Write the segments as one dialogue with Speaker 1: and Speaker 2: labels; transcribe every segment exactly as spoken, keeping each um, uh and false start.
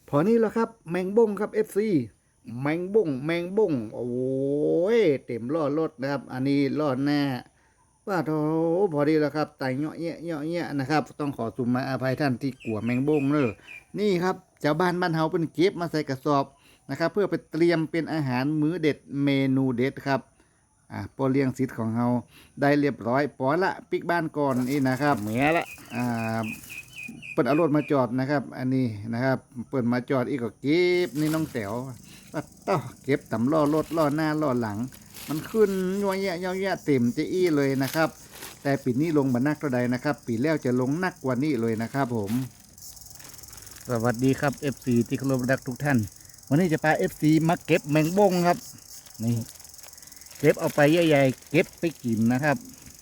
Speaker 1: พอนี้แล้วครับแมงบ้งครับ เอฟ ซี แมงบ้งแมงบ้งโอ้ยเต็มล้อรถนะครับอันนี้ล้อหน้าว่าโถพอดีแล้วครับไต่เงาะเงี้ยเงาะเงี้ยนะครับต้องขอสุมาอภัยท่านที่กลัวแมงบ้งเนอะนี่ครับชาวบ้านบ้านเฮาเป็นเก็บมาใส่กระสอบนะครับเพื่อไปเตรียมเป็นอาหารมื้อเด็ดเมนูเด็ดครับอ่าปอเลี้ยงสิทธิ์ของเฮาได้เรียบร้อยปอละปิกบ้านก่อนนี่นะครับเหมือละอ่า เปิดเอารถมาจอดนะครับอันนี้นะครับเปิดมาจอดอีกก็เก็บนี่น้องแต๋วปัดต่อเก็บตำล้อรถล้อหน้าล้อหลัง มันขึ้นยัวแยะยัวแยะเต็มจะอี้เลยนะครับแต่ปีนี้ลงมานักเท่าใดนะครับปีแล้วจะลงนักกว่านี้เลยนะครับผมสวัสดีครับ เอฟ ซี ที่เคารพรักทุกท่านวันนี้จะพา เอฟ ซี มาเก็บแมงบ้งครับนี่เก็บเอาไปใหญ่ๆเก็บไปกินนะครับ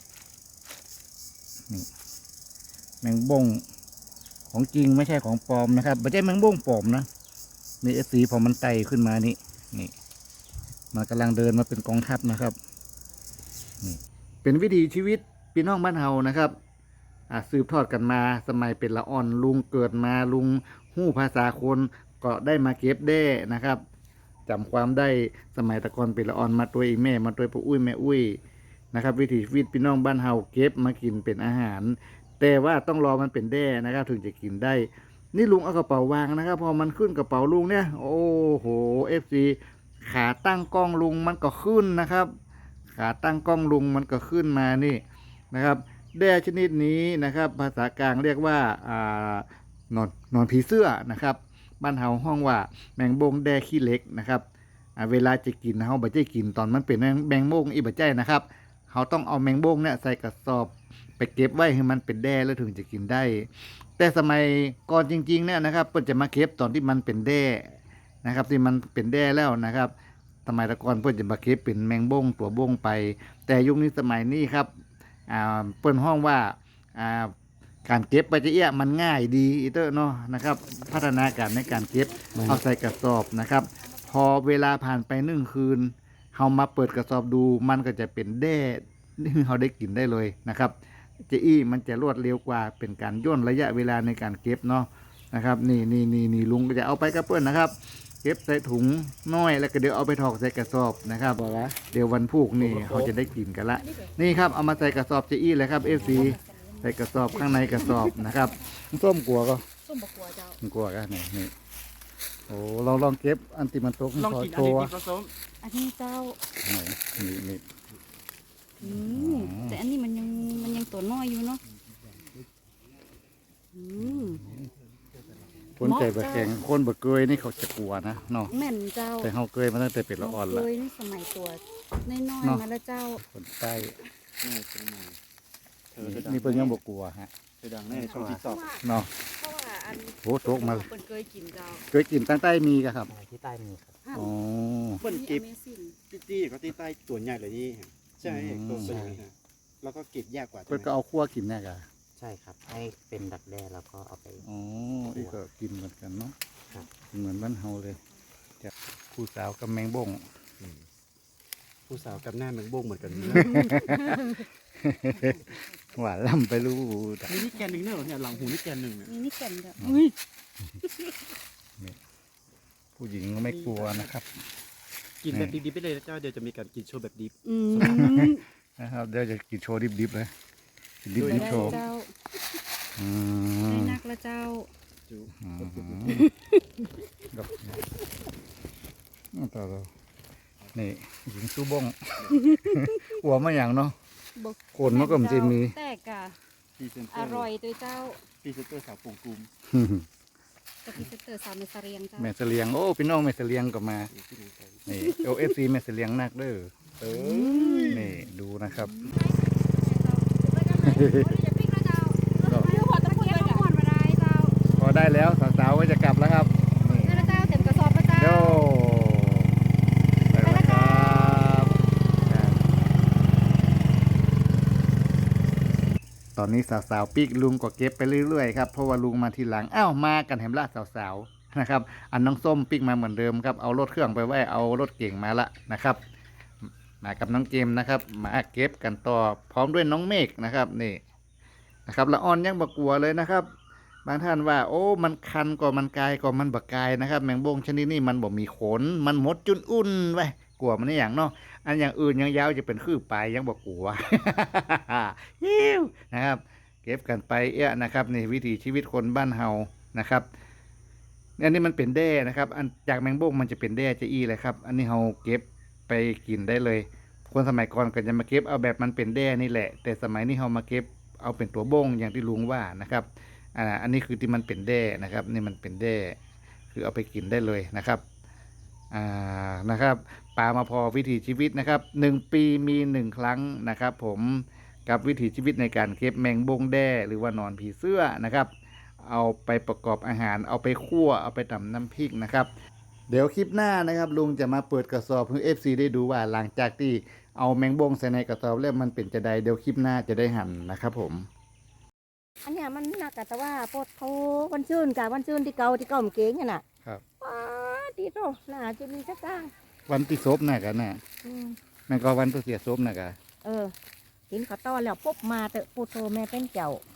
Speaker 1: นี่แมงบ้งของจริงไม่ใช่ของปลอมนะครับไม่ใช่แมงบ้งปลอมนะนี่เอฟซีพอมันไต่ขึ้นมานี่นี่มันกำลังเดินมาเป็นกองทัพนะครับนี่เป็นวิถีชีวิตพี่น้องบ้านเฮานะครับอ่าสืบทอดกันมาสมัยเป็นละอ่อนลุงเกิดมาลุงหู้ภาษาคนก็ได้มาเก็บได้นะครับจำความได้สมัยตะกอนเป็นละอ่อนมาตัวอีแม่มาตัวปู่อุ้ยแม่อุ้ยนะครับวิถีชีวิตพี่น้องบ้านเฮาเก็บมากินเป็นอาหารแต่ว่าต้องรอมันเป็นแด้นะครับถึงจะกินได้นี่ลุงเอากระเป๋าวางนะครับพอมันขึ้นกระเป๋าลุงเนี่ยโอ้โหเอฟซีขาตั้งกล้องลุงมันก็ขึ้นนะครับขาตั้งกล้องลุงมันก็ขึ้นมานี่นะครับแด้ชนิดนี้นะครับภาษากลางเรียกว่าอ่านอนนอนผีเสื้อนะครับบ้านเฮาห้องว่าแมงบงแด้ขี้เล็กนะครับอ่าเวลาจะกินเฮาบ่ใจกินตอนมันเป็นแมงบงอีบ่ใจนะครับเขาต้องเอาแมงบงเนี่ยใส่กระสอบไปเก็บไว้ให้มันเป็นแด้แล้วถึงจะกินได้แต่สมัยก่อนจริงๆเนี่ยนะครับเพิ่นจะมาเก็บตอนที่มันเป็นแด้นะครับที่มันเป็นแด้แล้วนะครับสมัยตะก่อนเพิ่นจะมาเก็บเป็นแมงบงตัวบงไปแต่ยุคนี้สมัยนี้ครับอ่าเปิ้นห้องว่าอ่าการเก็บไปจะเอี้ยมันง่ายดีอีเตอร์เนาะนะครับพัฒนาการในการเก็บเอาใส่กระสอบนะครับพอเวลาผ่านไปหนึ่งคืนเฮามาเปิดกระสอบดูมันก็จะเป็นแด้ที่เราได้กินได้เลยนะครับเจอี้มันจะรวดเร็วกว่าเป็นการย่นระยะเวลาในการเก็บเนาะนะครับนี่นี่นี่นี่ลุงก็จะเอาไปกระเพื่อนนะครับเก็บใส่ถุงน้อยแล้วก็เดี๋ยวเอาไปถอกใส่กระสอบนะครับเดี๋ยววันพุกนี่เขาจะได้กินกันละนี่ครับเอามาใส่กระสอบเจอี้เลยครับเอฟซีใส่กระสอบข้างในกระสอบนะครับส้มกลัวก็
Speaker 2: ส้มบกัวเจ้า
Speaker 1: กลัวกันนี่นี่โอ้เราลองเก็บอันติมันตก
Speaker 3: ลองกินอัน
Speaker 1: ตัว
Speaker 3: นี้ผสม
Speaker 2: อันนี้เจ้า
Speaker 1: นี่นี่
Speaker 2: อืมแต่อันนี้มันยังมันยังตัวน้อยอยู่เนาะอืม
Speaker 1: คนใจบะแข็งคนบะเกยนี่เขาจะกลัวนะเนาะ
Speaker 2: แม่นเจ้า
Speaker 1: แต่เขาเกยมาตั้งแต่เป็นละอ่อนละ
Speaker 2: เคยนี่สมัยตัวน้อย
Speaker 1: เนาะ
Speaker 2: ๆมาแล้วเจ้า
Speaker 1: คนใต้
Speaker 3: นี่เป็นไงเธอ
Speaker 1: นี่
Speaker 3: จะดัง
Speaker 1: นี่เพิ่นยังบกลัวฮะ
Speaker 3: เธอดังแน่ช่องติ๊กต็อก
Speaker 1: เนาะ
Speaker 2: เพราะว่าอัน
Speaker 1: โอ้โตกมา
Speaker 2: เปินเคยกินเจ้า
Speaker 1: เคยกินตั้งใต้มีกะครับ
Speaker 4: ที่ใต้มีครับ
Speaker 2: อ้าว
Speaker 1: อ๋อ
Speaker 3: เปิ้ล
Speaker 2: อั
Speaker 3: เก็บ
Speaker 2: นนี้ Amazing
Speaker 3: ตี้ตี้ก็ตี้ใต้ตัวใหญ่เลยนี่ใช่
Speaker 1: อืม
Speaker 3: ตัวเป็นอย่างนี้ฮะแล้วก็เก็บยากกว่า
Speaker 1: เพิ่นก็เอาคั่วกินแน่กะ
Speaker 4: ใช่ครับ ให้เป็นดักแด้แล้วก็เอาไป
Speaker 1: อ๋ออีกก็กินเหมือนกันเนาะ
Speaker 4: ครับ
Speaker 1: เหมือนบ้านเฮาเลยจะผู้สาวกับแมงบ้ง
Speaker 3: ผู้สาวกับหน้าแมงบ้งเหมือนกันนะ
Speaker 1: หวานล่ำไปรู้
Speaker 3: นี่นี่แกนหนึ่งเนี่ยเหรอเนี่ยหลังหูนี่แกนหนึ่งเนี่ย
Speaker 2: นี่นี่แก่นเจ้า
Speaker 3: อุ้ย
Speaker 1: ผู้หญิงก็ไม่กลัวนะครับ
Speaker 3: กินแบบดิบๆไปเลยนะเจ้าเดี๋ยวจะมีการกินโชว์แบบดิบ
Speaker 2: อืม
Speaker 1: นะครับเดี๋ยวจะกินโชว์ดิบๆเลยกินดิ
Speaker 2: ได้
Speaker 1: บๆโชว์
Speaker 2: เจ้า
Speaker 1: อื
Speaker 2: ได้
Speaker 1: ม
Speaker 2: นักแล้วเจ้า
Speaker 3: จู
Speaker 1: อืมดอกต่อต่อนี่หญิงสู้บ้ง หัวมาอย่างเนาะ
Speaker 2: บอก
Speaker 1: โคนมันก็มันจะมี
Speaker 2: แต่กะ
Speaker 3: พรีเซนเต
Speaker 2: อ
Speaker 3: อร์
Speaker 2: ร่อยตัวเจ้า
Speaker 3: พรีเซนเตอร์สาวปงกุม
Speaker 2: กะพิเศษเตอร์สาวในสะเรียงเจ้า
Speaker 1: แม่เสลียงโอ้พี่น้องแม่เสลียงก็มา
Speaker 3: นี่ที่ไหนใส่
Speaker 1: นี่โอเอฟซีแม่เสลียงนักเด้อเออนี่ดูนะครับ พอได้แล้วสาวๆก็จะกลับแล้วครับนี่โย่ไปแล้วครับตอนนี้สาวๆปีกลุงก็เก็บไปเรื่อยๆครับเพราะว่าลุงมาทีหลังอ้าวมากันแหมละสาวๆนะครับอันน้องส้มปีกมาเหมือนเดิมครับเอารถเครื่องไปไว้เอารถเก่งมาละนะครับมากับน้องเกมนะครับมาเก็บกันต่อพร้อมด้วยน้องเมฆนะครับนี่นะครับละอ่อนยังบกลัวเลยนะครับบางท่านว่า โอ้มันคันก่อนมันกายก่อนมันบักกายนะครับ แมงบงชนิดนี้มันบ่มีขน มันหมดจุนอุ่นไว้กลัวมันนี่อย่างเนาะอันอย่างอื่นยังยาวจะเป็นคือปลายยังบอกกลัว ฮิวนะครับ เก็บกันไปเอะนะครับนี่วิถีชีวิตคนบ้านเฮานะครับอันนี้มันเป็นแด้นะครับ อันจากแมงบงมันจะเป็นแด้จะอี้เลยครับ อันนี้เฮาเก็บไปกินได้เลย คนสมัยก่อนก็จะมาเก็บเอาแบบมันเป็นแด้นี่แหละ แต่สมัยนี้เฮามาเก็บเอาเป็นตัวบงอย่างที่ลุงว่านะครับอ่าอันนี้คือที่มันเป็นแด้นะครับนี่มันเป็นแด้คือเอาไปกินได้เลยนะครับอ่านะครับปลามาพอวิถีชีวิตนะครับหนึ่งปีมีหนึ่งครั้งนะครับ ผมกับวิถีชีวิตในการเก็บแมงบงแด้หรือว่านอนผีเสื้อนะครับ เอาไปประกอบอาหารเอาไปคั่วเอาไปตำน้ำพริกนะครับ เดี๋ยวคลิปหน้านะครับลุงจะมาเปิดกระสอบให้ เอฟ ซี ได้ดูว่าหลังจากที่เอาแมงบงใส่ในกระสอบแล้วมันเป็นจะใดเดี๋ยวคลิปหน้าจะได้หั่นนะครับผม
Speaker 5: อันเนี้ยมันหนักอะแต่ว่าโพดเขาวันชื่นกับวันชื่นที่เก่าที่เก่ามันเก่งอะน่ะ
Speaker 1: ครับ
Speaker 5: ว้าดีโตน่าจะมีสักก้าง
Speaker 1: วันที่ซบน่ะกันน่ะ
Speaker 5: อืม
Speaker 1: แม่นก็วันตัวเสียซบน่ะกัน
Speaker 5: เออกินข้าวต้อนแล้วปุ๊บมาเตอะปูโตแม่เป็นเจ้า